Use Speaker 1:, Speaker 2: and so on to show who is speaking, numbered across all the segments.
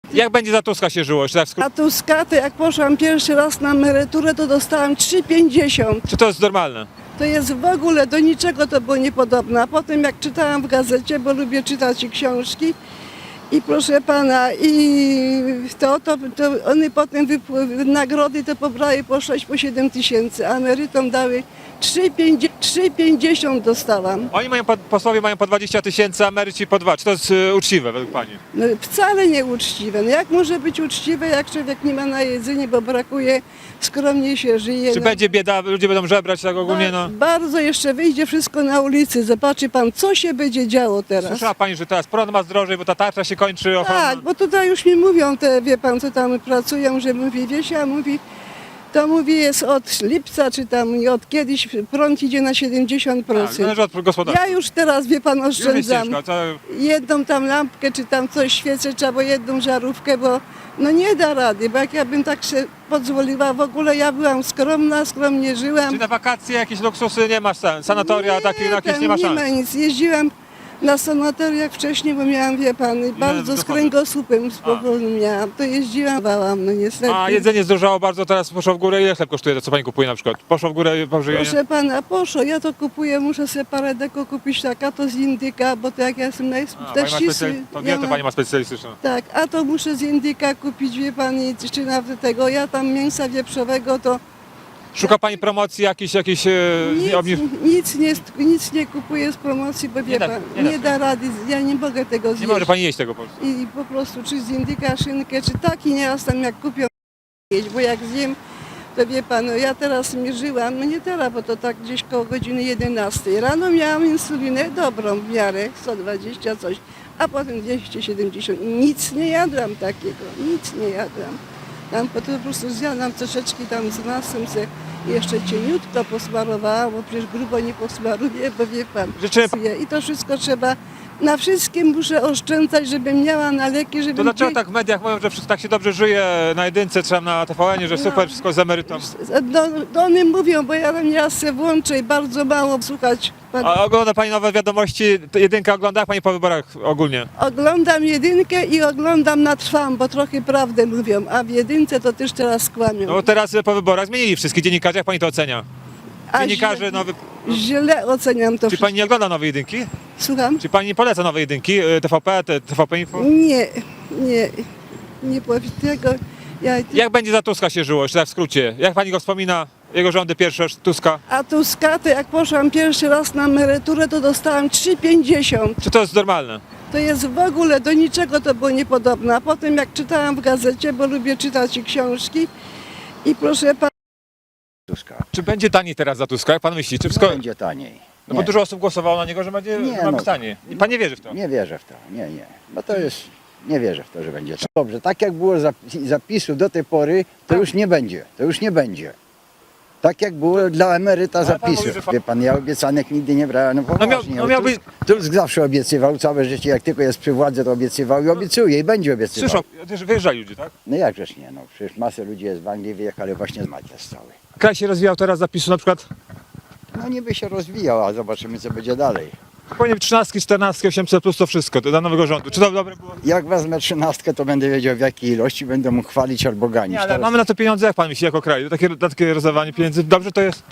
Speaker 1: Jak będzie za Tuska się żyło? Czy, tak
Speaker 2: A Tuska, to jak poszłam pierwszy raz na emeryturę, to dostałam 3,50.
Speaker 1: czy to jest normalne?
Speaker 2: To jest w ogóle do niczego to było niepodobne. A potem jak czytałam w gazecie, bo lubię czytać i książki, i proszę pana, i to one potem nagrody to pobrały po 6, po 7 tysięcy, a emerytom dały 3,50 dostałam.
Speaker 1: Oni mają, posłowie mają po 20 tysięcy, a emeryci po 2. Czy to jest uczciwe według pani?
Speaker 2: No, wcale nieuczciwe. No, jak może być uczciwe, jak człowiek nie ma na jedzenie, bo brakuje, skromnie się żyje.
Speaker 1: Czy
Speaker 2: no.
Speaker 1: będzie bieda, ludzie będą żebrać tak ogólnie? No.
Speaker 2: Bardzo jeszcze wyjdzie wszystko na ulicy. Zobaczy pan, co się będzie działo teraz.
Speaker 1: Słyszała pani, że teraz prąd ma zdrożej, bo ta tarcza się kończy ochrona?
Speaker 2: Tak, bo tutaj już mi mówią te, wie pan, co tam pracują, że mówi, Wiesia mówi, to mówi jest od lipca, czy tam od kiedyś prąd idzie na 70%.
Speaker 1: Tak, zależy od gospodarki.
Speaker 2: Ja już teraz, wie pan,
Speaker 1: Już jest
Speaker 2: oszczędzam.
Speaker 1: ciężko, to...
Speaker 2: Jedną tam lampkę, czy tam coś świecę, czy albo jedną żarówkę, bo no nie da rady, bo jak ja bym tak się pozwoliła, w ogóle ja byłam skromna, skromnie żyłam.
Speaker 1: Czy na wakacje jakieś luksusy nie masz, sanatoria takie jakieś nie ma
Speaker 2: Nie
Speaker 1: szans?
Speaker 2: ma nic. Jeździłam na sanatoriach wcześniej, bo miałam, wie pan, bardzo z
Speaker 1: dochody.
Speaker 2: kręgosłupem spokojnie miałam. To jeździłam, bałam, no niestety.
Speaker 1: A jedzenie zdrożało bardzo, teraz poszło w górę. Ile chleb kosztuje to, co pani kupuje na przykład? Poszło w górę po żywieniu?
Speaker 2: Proszę pana, poszło, ja to kupuję, muszę sobie parę deko kupić, tak, a to z indyka, bo to jak ja jestem też ścisły.
Speaker 1: To dietę pani ma specjalistyczną.
Speaker 2: Tak, a to muszę z indyka kupić, wie pan, czy nawet tego, ja tam mięsa wieprzowego to
Speaker 1: Szuka pani promocji jakichś
Speaker 2: nic nie kupuję z promocji, bo wie
Speaker 1: Nie da-
Speaker 2: pan,
Speaker 1: nie da
Speaker 2: nie da rady, ja nie mogę tego
Speaker 1: Nie
Speaker 2: zjeść.
Speaker 1: może pani jeść tego po prostu.
Speaker 2: I po prostu czy z indyka szynkę, czy taki nie tam jak kupią jeść, bo jak zjem, to wie pan, no ja teraz mierzyłam, no nie teraz, bo to tak gdzieś koło godziny 11. Rano miałam insulinę dobrą w miarę, 120 coś, a potem 270. Nic nie jadłam takiego, nic nie jadłam. Tam po prostu zjadłam troszeczkę tam z masłem se jeszcze cieniutko posmarowałam, bo przecież grubo nie posmaruję, bo wie pan.
Speaker 1: Życzymy-
Speaker 2: I to wszystko trzeba, na wszystkim muszę oszczędzać, żebym miała na leki, żeby...
Speaker 1: To dlaczego tak w mediach mówią, że tak się dobrze żyje na jedynce, czy tam na TVN-ie, że super wszystko z emerytą?
Speaker 2: No oni mówią, bo ja tam nieraz se włączę i bardzo mało słuchać.
Speaker 1: A ogląda pani nowe wiadomości? Jedynka ogląda, jak pani po wyborach ogólnie?
Speaker 2: Oglądam jedynkę i oglądam na trwam, bo trochę prawdę mówią, a w jedynce to też teraz kłamią.
Speaker 1: No bo teraz po wyborach zmienili wszystkich dziennikarzy, jak pani to ocenia?
Speaker 2: A
Speaker 1: Dziennikarze nowy...
Speaker 2: źle oceniam to
Speaker 1: Czy
Speaker 2: wszystko.
Speaker 1: pani nie ogląda nowej jedynki?
Speaker 2: Słucham?
Speaker 1: Czy pani nie poleca nowej jedynki? TVP, TVP Info?
Speaker 2: Nie powiem tego.
Speaker 1: Jak będzie za Tuska się żyło, jeszcze tak w skrócie? Jak pani go wspomina? Jego rządy pierwsze, Tuska?
Speaker 2: A Tuska, to jak poszłam pierwszy raz na emeryturę, to dostałam 3,50.
Speaker 1: Czy to jest normalne?
Speaker 2: To jest w ogóle do niczego to było niepodobne. A potem jak czytałam w gazecie, bo lubię czytać i książki, i proszę pana,
Speaker 3: Tuska.
Speaker 1: Czy będzie taniej teraz za Tuska? Jak pan myśli? Czy wszystko...
Speaker 3: Będzie taniej.
Speaker 1: No bo dużo osób głosowało na niego, że będzie
Speaker 3: Nie,
Speaker 1: ma
Speaker 3: no.
Speaker 1: być taniej. I pan nie wierzy w to?
Speaker 3: Nie wierzę w to. Nie. Bo to jest. Nie wierzę w to, że będzie. Dobrze, tak jak było zapisu do tej pory, to już nie będzie. To już nie będzie. Tak jak było dla emeryta
Speaker 1: Ale pan
Speaker 3: zapisu.
Speaker 1: mówi, że pan-
Speaker 3: Wie pan, ja obiecanek nigdy nie brałem. No poważnie.
Speaker 1: miałby-
Speaker 3: Tusk zawsze obiecywał, całe życie, jak tylko jest przy władzy, to obiecywał i obiecuje i będzie obiecywał.
Speaker 1: Słyszą, też wyjeżdżali ludzie, tak?
Speaker 3: No jakżeż nie, no przecież masę ludzi jest w Anglii, wyjechali właśnie z Macias cały.
Speaker 1: Kraj się rozwijał teraz zapisu na przykład?
Speaker 3: No niby się rozwijał, a zobaczymy co będzie dalej.
Speaker 1: Powinien 13, 14, 800 plus to wszystko, to dla nowego rządu. Czy to dobre było?
Speaker 3: Jak wezmę 13, to będę wiedział w jakiej ilości, będę mógł chwalić albo ganić.
Speaker 1: Nie, ale
Speaker 3: Teraz-
Speaker 1: mamy na to pieniądze, jak pan myśli, jako kraj? Takie rozdawanie pieniędzy, dobrze to jest?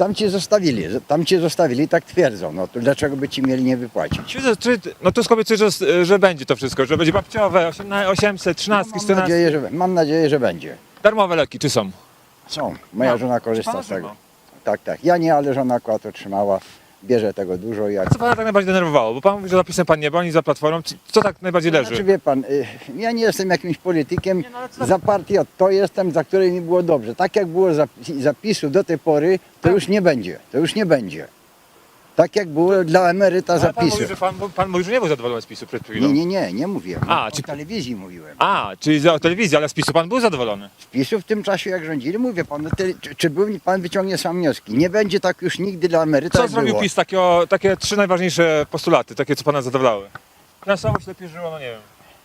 Speaker 3: Tam cię zostawili, tak twierdzą. No to dlaczego by ci mieli nie wypłacić?
Speaker 1: No Tusk obiecuje, że będzie to wszystko, że będzie babciowe, 800, 13,
Speaker 3: Mam
Speaker 1: 14.
Speaker 3: nadzieję, że będzie.
Speaker 1: Darmowe leki, czy są?
Speaker 3: Są. Moja
Speaker 1: No.
Speaker 3: żona korzysta
Speaker 1: Pana
Speaker 3: z tego.
Speaker 1: żona?
Speaker 3: Tak. Ja nie, ale żona akurat to trzymała. Bierze tego dużo. Jak...
Speaker 1: Co pana tak najbardziej denerwowało? Bo pan mówi, że zapisem pan nie był, ani za Platformą. Co tak najbardziej leży?
Speaker 3: Znaczy wie pan, ja nie jestem jakimś politykiem.
Speaker 1: Nie, no ale co-
Speaker 3: Za partię to jestem, za której mi było dobrze. Tak jak było zapisu do tej pory, to już nie będzie. To już nie będzie. Tak jak było dla emeryta
Speaker 1: Ale pan
Speaker 3: zapisu.
Speaker 1: mówi, że pan mówi, że nie był zadowolony z PiSu przed chwilą.
Speaker 3: Nie mówiłem.
Speaker 1: A,
Speaker 3: O
Speaker 1: czy-
Speaker 3: telewizji mówiłem.
Speaker 1: A, czyli za telewizję, ale z PiSu pan był zadowolony.
Speaker 3: Z PiSu w tym czasie jak rządzili, mówię pan, no czy pan wyciągnie sam wnioski? Nie będzie tak już nigdy dla emeryta,
Speaker 1: Co
Speaker 3: jak
Speaker 1: zrobił
Speaker 3: było.
Speaker 1: PiS? Takie trzy najważniejsze postulaty, takie co pana zadowalały. Finansowo się lepiej żyło, no nie wiem.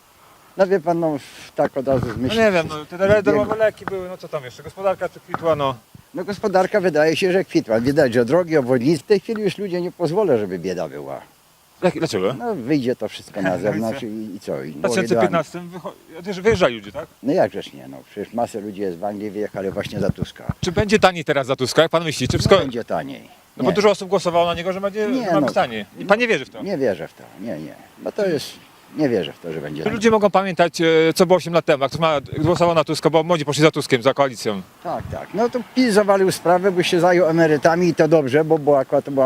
Speaker 3: No wie pan, no tak od razu
Speaker 1: No
Speaker 3: myślę.
Speaker 1: nie wiem, no te darmowe leki były, no co tam jeszcze, gospodarka czy kwitła, no.
Speaker 3: No gospodarka wydaje się, że kwitła. Widać, że drogi, obwodnice, w tej chwili już ludzie nie pozwolą, żeby bieda była.
Speaker 1: Dlaczego?
Speaker 3: No wyjdzie to wszystko na zewnątrz i co? I
Speaker 1: W
Speaker 3: głowy do
Speaker 1: 2015 wyjeżdżali ludzie, tak?
Speaker 3: No jakżeż nie, no przecież masę ludzi jest w Anglii, wyjechali właśnie za Tuska.
Speaker 1: Czy będzie taniej teraz za Tuska, jak pan myśli? Czy wszystko...
Speaker 3: No będzie taniej.
Speaker 1: No bo
Speaker 3: Nie.
Speaker 1: dużo osób głosowało na niego, że będzie
Speaker 3: Nie,
Speaker 1: że ma
Speaker 3: no.
Speaker 1: być taniej. I pan nie wierzy w to?
Speaker 3: Nie wierzę w to, nie. Bo to jest, nie wierzę w to, że będzie
Speaker 1: Czy
Speaker 3: taniej.
Speaker 1: ludzie mogą pamiętać, co było 8 lat temu, jak ktoś głosował na Tuska, bo młodzi poszli za Tuskiem, za koalicją.
Speaker 3: Tak. No to PiS zawalił sprawę, bo się zajął emerytami i to dobrze, bo akurat to była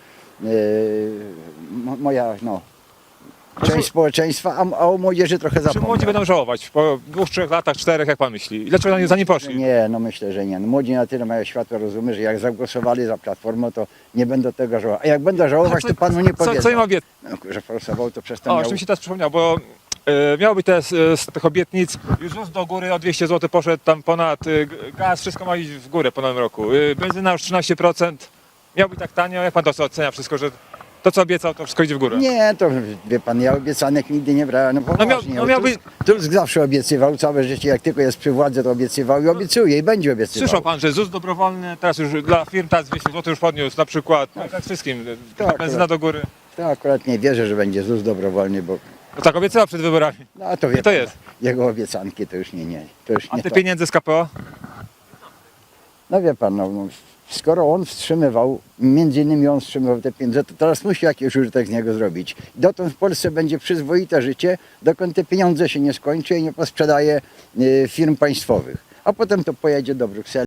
Speaker 3: moja część społeczeństwa, a o młodzieży trochę
Speaker 1: Czy
Speaker 3: zapomniał.
Speaker 1: młodzi będą żałować po 2, 3 latach, 4, jak pan myśli? I dlaczego za nie poszli?
Speaker 3: Nie, no myślę, że nie. No, młodzi na tyle mają światło rozumu, że jak zagłosowali za Platformą, to nie będą tego żałować. A jak będą żałować, to panu nie powiedzą.
Speaker 1: Co im obiecał?
Speaker 3: No, że forsował, to przez to
Speaker 1: O,
Speaker 3: miał...
Speaker 1: jeszcze mi się teraz przypomniał, bo miało być z tych obietnic, już ZUS do góry o 200 zł poszedł, tam ponad gaz, wszystko ma iść w górę po nowym roku. Benzyna już 13%, miał być tak tanio, jak pan to ocenia wszystko, że to co obiecał, to wszystko idzie w górę?
Speaker 3: Nie, to wie pan, ja obiecanek nigdy nie brałem. No poważnie.
Speaker 1: miał być-
Speaker 3: Tusk zawsze obiecywał, całe życie, jak tylko jest przy władzy, to obiecywał i obiecuje i będzie obiecywał.
Speaker 1: Słyszał pan, że ZUS dobrowolny, teraz już dla firm teraz 200 zł już podniósł, na przykład, tak wszystkim,
Speaker 3: Tak,
Speaker 1: benzyna do góry.
Speaker 3: To akurat nie wierzę, że będzie ZUS dobrowolny, bo
Speaker 1: No tak obiecywał przed wyborami.
Speaker 3: no, a to wie
Speaker 1: I to
Speaker 3: pan,
Speaker 1: jest.
Speaker 3: jego obiecanki to już nie. To już
Speaker 1: A
Speaker 3: nie
Speaker 1: te
Speaker 3: to.
Speaker 1: pieniądze z KPO?
Speaker 3: No wie pan, skoro on wstrzymywał, między innymi on wstrzymywał te pieniądze, to teraz musi jakiś użytek z niego zrobić. Dotąd w Polsce będzie przyzwoite życie, dokąd te pieniądze się nie skończy i nie posprzedaje firm państwowych. A potem to pojedzie do Brukseli.